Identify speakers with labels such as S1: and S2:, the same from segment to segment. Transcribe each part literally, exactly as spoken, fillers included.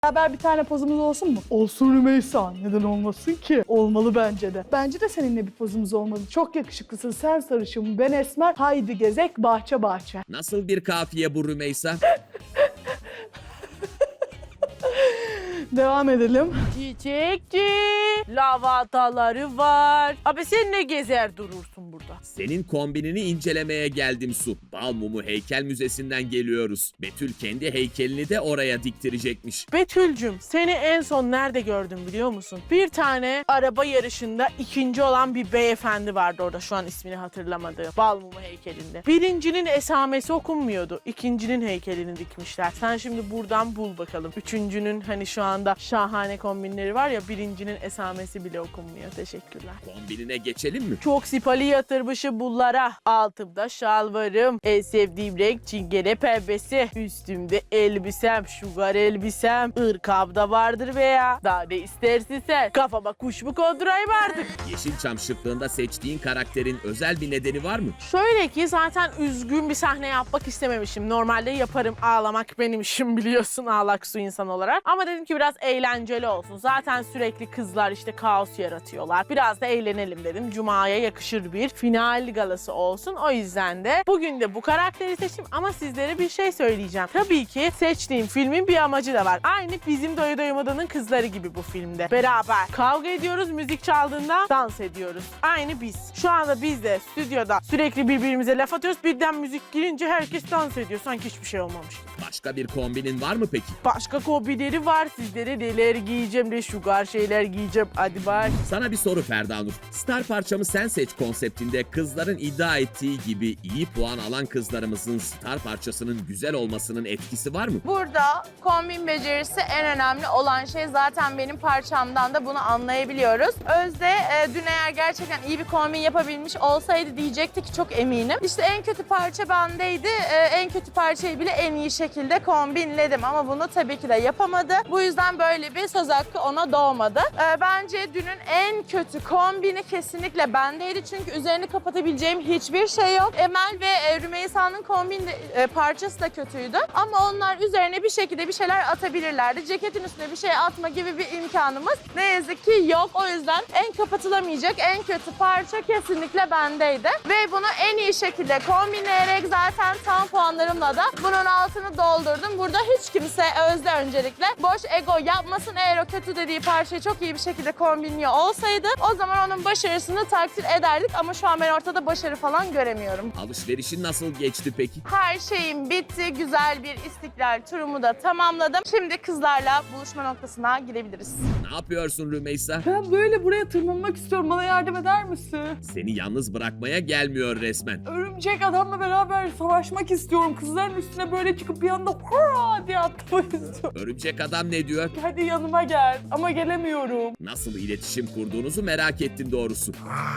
S1: Beraber bir tane pozumuz olsun mu? Olsun Rümeysa. Neden olmasın ki? Olmalı bence de. Bence de seninle bir pozumuz olmalı. Çok yakışıklısın. Sen sarışın, ben esmer. Haydi gezek bahçe bahçe.
S2: Nasıl bir kafiye bu Rümeysa?
S1: Devam edelim.
S3: Çiçekçi, lavataları var. Abi sen ne gezer durursun burada?
S2: Senin kombinini incelemeye geldim Su. Bal Mumu Heykel Müzesi'nden geliyoruz. Betül kendi heykelini de oraya diktirecekmiş.
S3: Betül'cüm, seni en son nerede gördüm biliyor musun? Bir tane araba yarışında ikinci olan bir beyefendi vardı orada, şu an ismini hatırlamadığım. Bal Mumu heykelinde. Birincinin esamesi okunmuyordu. İkincinin heykelini dikmişler. Sen şimdi buradan bul bakalım. Üçüncünün hani şu anda şahane kombinleri var ya, birincinin esamesi bile okunmuyor. Teşekkürler.
S2: Kombinine geçelim mi?
S3: Çok sipali yatırmışım bunlara. Altımda şalvarım, en sevdiğim renk çingene pembesi. Üstümde elbisem, şugar elbisem. Irkam da vardır veya. Daha ne istersin sen? Kafama kuş mu kondurayım artık?
S2: Yeşilçam şıklığında seçtiğin karakterin özel bir nedeni var mı?
S3: Şöyle ki zaten üzgün bir sahne yapmak istememişim. Normalde yaparım, ağlamak benim işim biliyorsun, ağlak su insan olarak. Ama dedim ki biraz eğlenceli olsun. Zaten sürekli kızlar işte kaos yaratıyorlar. Biraz da eğlenelim dedim. Cuma'ya yakışır bir final galası olsun. O yüzden de bugün de bu karakteri seçtim ama sizlere bir şey söyleyeceğim. Tabii ki seçtiğim filmin bir amacı da var. Aynı bizim Doya Doyamada'nın kızları gibi bu filmde. Beraber kavga ediyoruz, müzik çaldığında dans ediyoruz. Aynı biz. Şu anda biz de stüdyoda sürekli birbirimize laf atıyoruz. Birden müzik girince herkes dans ediyor. Sanki hiçbir şey olmamış.
S2: Başka bir kombinin var mı peki?
S3: Başka kobileri var. Sizlere neler giyeceğim de şugar şeyler giyeceğim. Hadi bak.
S2: Sana bir soru Ferda Nur. Star parçamı sen seç konseptinde kızların iddia ettiği gibi iyi puan alan kızlarımızın star parçasının güzel olmasının etkisi var mı?
S4: Burada kombin becerisi en önemli olan şey, zaten benim parçamdan da bunu anlayabiliyoruz. Özde e, dün eğer gerçekten iyi bir kombin yapabilmiş olsaydı diyecekti ki çok eminim. İşte en kötü parça bendeydi. E, en kötü parçayı bile en iyi şekilde kombinledim ama bunu tabii ki de yapamadı. Bu yüzden böyle bir söz hakkı ona doğmadı. E, bence dünün en kötü kombini kesinlikle bendeydi. Çünkü üzerini kapatabileceğim hiçbir şey yok. Emel ve e, Rümeysa'nın kombin de, e, parçası da kötüydü. Ama onlar üzerine bir şekilde bir şeyler atabilirlerdi. Ceketin üstüne bir şey atma gibi bir imkanımız ne yazık ki yok. O yüzden en kapatılamayacak, en kötü parça kesinlikle bendeydi. Ve bunu en iyi şekilde kombinleyerek zaten tam puanlarımla da bunun altını doldurdum. Burada hiç kimse, Özde öncelikle, boş ego yapmasın. Eğer o kötü dediği parçayı çok iyi bir şekilde kombinliyor olsaydı o zaman onun başarısını takdir ederdik. Ama şu an ben ortada başarı falan göremiyorum.
S2: Alışverişin nasıl geçti peki?
S4: Her şeyim bitti. Güzel bir istiklal turumu da tamamladım. Şimdi kızlarla buluşma noktasına gidebiliriz.
S2: Ne yapıyorsun Rümeysa?
S1: Ben böyle buraya tırmanmak istiyorum. Bana yardım eder misin?
S2: Seni yalnız bırakmaya gelmiyor resmen.
S1: Örümcek adamla beraber savaşmak istiyorum. Kızların üstüne böyle çıkıp bir anda hurra diye atlamak istiyorum.
S2: Örümcek adam ne diyor?
S1: Hadi yanıma gel. Ama gelemiyorum.
S2: Nasıl iletişim kurduğunuzu merak ettim doğrusu.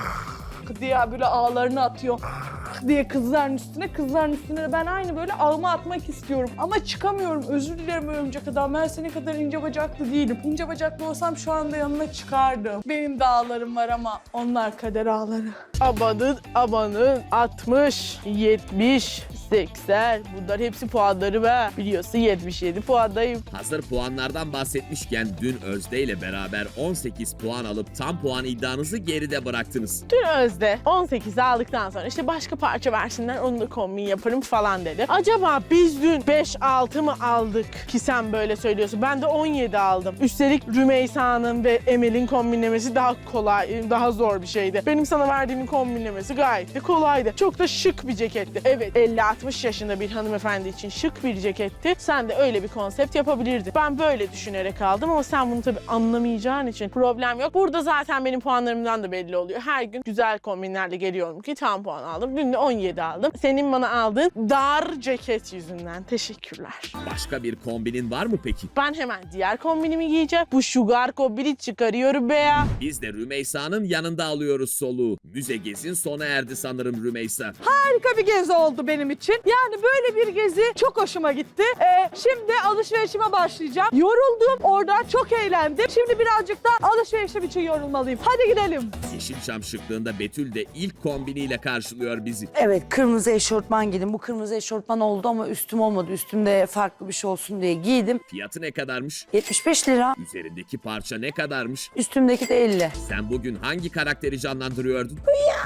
S1: Diye böyle ağlarını atıyor diye kızların üstüne, kızların üstüne de ben aynı böyle ağımı atmak istiyorum. Ama çıkamıyorum. Özür dilerim örümcek adam. Ben senin kadar ince bacaklı değilim. İnce bacaklı olsam şu anda yanına çıkardım. Benim de ağlarım var ama onlar kader ağları.
S3: Amanın amanın altmış, yetmiş, seksen. Bunlar hepsi puanları be. Biliyorsun yetmiş yedi puandayım.
S2: Hazır puanlardan bahsetmişken dün Özde ile beraber on sekiz puan alıp tam puan iddianızı geride bıraktınız.
S3: Dün Özde on sekiz aldıktan sonra işte başka parça versinler, onu da kombin yaparım falan dedi. Acaba biz dün beş altı mı aldık ki sen böyle söylüyorsun? Ben de on yedi aldım. Üstelik Rümeysa'nın ve Emel'in kombinlemesi daha kolay, daha zor bir şeydi. Benim sana verdiğimin kombinlemesi gayet de kolaydı. Çok da şık bir ceketti. Evet, elli altmış yaşında bir hanımefendi için şık bir ceketti. Sen de öyle bir konsept yapabilirdin. Ben böyle düşünerek aldım ama sen bunu tabii anlamayacağın için problem yok. Burada zaten benim puanlarımdan da belli oluyor. Her gün güzel kombinlerle geliyorum ki tam puan aldım. Dün de on yedi aldım. Senin bana aldığın dar ceket yüzünden. Teşekkürler.
S2: Başka bir kombinin var mı peki?
S3: Ben hemen diğer kombinimi giyeceğim. Bu sugar kombini çıkarıyorum be ya.
S2: Biz de Rümeysa'nın yanında alıyoruz soluğu. Müze gezin sona erdi sanırım Rümeysa.
S1: Harika bir gezi oldu benim için. Yani böyle bir gezi çok hoşuma gitti. Ee, şimdi alışverişime başlayacağım. Yoruldum orada, çok eğlendim. Şimdi birazcık da alışverişim için yorulmalıyım. Hadi gidelim.
S2: Yeşilçam şıklığında Betül Betül de ilk kombiniyle karşılıyor bizi.
S5: Evet, kırmızı eşortman giydim. Bu kırmızı eşortman oldu ama üstüm olmadı. Üstümde farklı bir şey olsun diye giydim.
S2: Fiyatı ne kadarmış?
S5: yetmiş beş lira.
S2: Üzerindeki parça ne kadarmış?
S5: Üstümdeki de elli.
S2: Sen bugün hangi karakteri canlandırıyordun?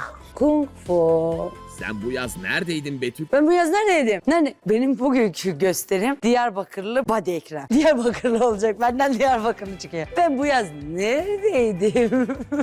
S5: Kung fu.
S2: Sen bu yaz neredeydin Betül?
S5: Ben bu yaz neredeydim? Nerede? Benim bugünkü gösterim Diyarbakırlı Badi Ekrem. Diyarbakırlı olacak. Benden Diyarbakırlı çıkıyor. Ben bu yaz neredeydim?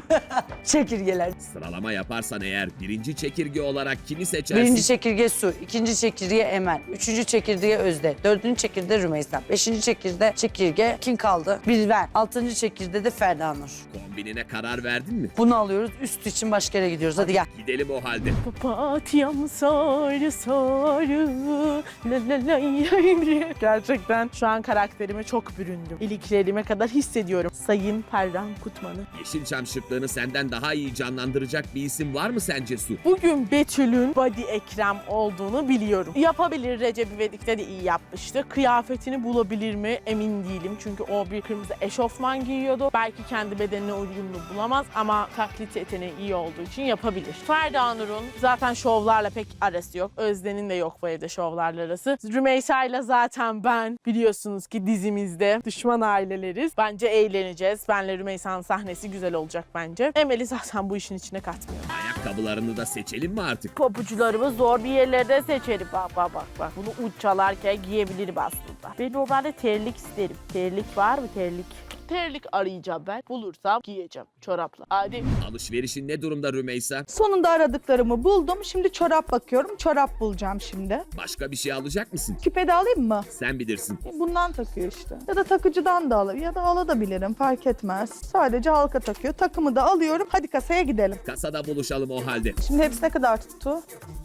S5: Çekirgeler.
S2: Sıralama yaparsan eğer birinci çekirge olarak kimi seçersin?
S5: Birinci çekirge Su, ikinci çekirge Emel, üçüncü çekirge Özde, dördüncü çekirge Rümeysa, beşinci çekirge çekirge kim kaldı? Bir ben. Altıncı çekirge de Ferda Nur.
S2: Kombinine karar verdin mi?
S5: Bunu alıyoruz. Üst için başka yere gidiyoruz. Hadi gel.
S2: Gidelim o halde.
S3: Papatyam sarı sarı la la la yavru. Gerçekten şu an karakterime çok büründüm. İliklerime kadar hissediyorum. Sayın Perran Kutman'ı.
S2: Yeşilçam şıklığını senden daha iyi canlandıracak bir isim var mı sence Su?
S3: Bugün Betül'ün Badi Ekrem olduğunu biliyorum. Yapabilir, Recep İvedik'te de iyi yapmıştı. Kıyafetini bulabilir mi emin değilim. Çünkü o bir kırmızı eşofman giyiyordu. Belki kendi bedenine uyumlu bulamaz ama taklit yeteneği iyi olduğu için yapabilir. Ferda Nur'un zaten şovlarla pek arası yok. Özden'in de yok bu evde şovlarla arası. Rümeysa'yla zaten ben biliyorsunuz ki dizimizde düşman aileleriz. Bence eğleneceğiz. Benle Rümeysa'nın sahnesi güzel olacak bence. Emel'i zaten bu işin içine katmıyor.
S2: Ayakkabılarını da seçelim mi artık?
S3: Pabucularımı zor bir yerlerde seçerim. Bak bak bak bak. Bunu uç çalarken giyebilirim aslında. Ben normalde terlik isterim. Terlik var mı terlik? Terlik arayacağım ben. Bulursam giyeceğim çorapla. Hadi.
S2: Alışverişin ne durumda Rümeysa?
S1: Sonunda aradıklarımı buldum. Şimdi çorap bakıyorum. Çorap bulacağım şimdi.
S2: Başka bir şey alacak mısın?
S1: Küpe de alayım mı?
S2: Sen bilirsin.
S1: Bundan takıyor işte. Ya da takıcıdan da alabilirim. Ya da alabilirim. Fark etmez. Sadece halka takıyor. Takımı da alıyorum. Hadi kasaya gidelim.
S2: Kasada buluşalım o halde.
S1: Şimdi hepsi ne kadar tuttu?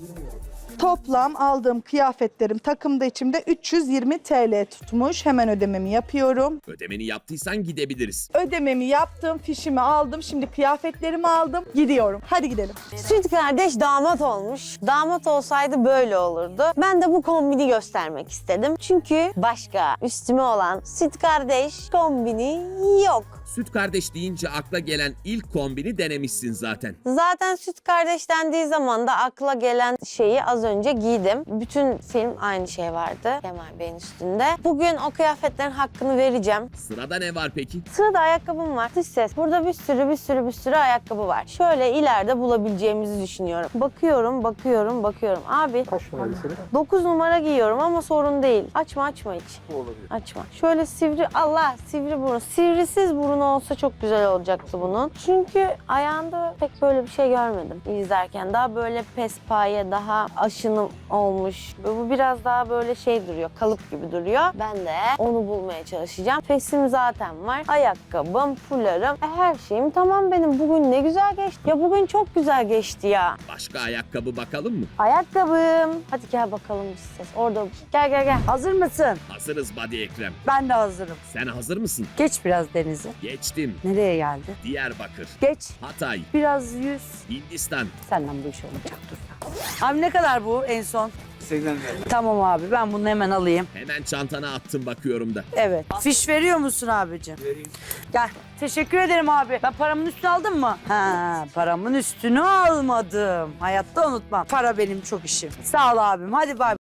S1: Toplam aldığım kıyafetlerim takımda içimde üç yüz yirmi T L tutmuş. Hemen ödememi yapıyorum.
S2: Ödemeni yaptıysan gidebiliriz.
S1: Ödememi yaptım, fişimi aldım. Şimdi kıyafetlerimi aldım. Gidiyorum. Hadi gidelim.
S6: Süt kardeş damat olmuş. Damat olsaydı böyle olurdu. Ben de bu kombini göstermek istedim. Çünkü başka üstüme olan süt kardeş kombini yok.
S2: Süt kardeş deyince akla gelen ilk kombini denemişsin zaten.
S6: Zaten süt kardeş dendiği zaman da akla gelen şeyi az önce giydim. Bütün film aynı şey vardı Kemal Bey'in üstünde. Bugün o kıyafetlerin hakkını vereceğim.
S2: Sırada ne var peki?
S6: Sırada ayakkabım var. Dış ses. Burada bir sürü bir sürü bir sürü ayakkabı var. Şöyle ileride bulabileceğimizi düşünüyorum. Bakıyorum, bakıyorum, bakıyorum. Abi. Kaç numara dokuz numara giyiyorum ama sorun değil. Açma açma hiç. Olabilir. Açma. Şöyle sivri, Allah sivri burun. Sivrisiz burun olsa çok güzel olacaktı bunun. Çünkü ayağında pek böyle bir şey görmedim izlerken. Daha böyle pespaye, daha aşınım olmuş. Bu biraz daha böyle şey duruyor, kalıp gibi duruyor. Ben de onu bulmaya çalışacağım. Fesim zaten var. Ayakkabım, fularım, e, her şeyim tamam benim. Bugün ne güzel geçti. Ya bugün çok güzel geçti ya.
S2: Başka ayakkabı bakalım mı?
S6: Ayakkabım. Hadi gel bakalım bir ses. Orada. Gel gel gel.
S5: Hazır mısın?
S2: Hazırız Badi Ekrem.
S5: Ben de hazırım.
S2: Sen hazır mısın?
S5: Geç biraz Deniz'i.
S2: Geçtim.
S5: Nereye geldi?
S2: Diyarbakır,
S5: Geç.
S2: Hatay,
S5: Biraz yüz.
S2: Hindistan.
S5: Senden bu iş olmayacak. Dur. Abi ne kadar bu en son? seksen lira. Tamam abi ben bunu hemen alayım.
S2: Hemen çantana attım bakıyorum da.
S5: Evet. Fiş veriyor musun abicim? Vereyim. Gel. Teşekkür ederim abi. Ben paramın üstünü aldım mı? Ha, paramın üstünü almadım. Hayatta unutmam. Para benim çok işim. Sağ ol abim. Hadi bay.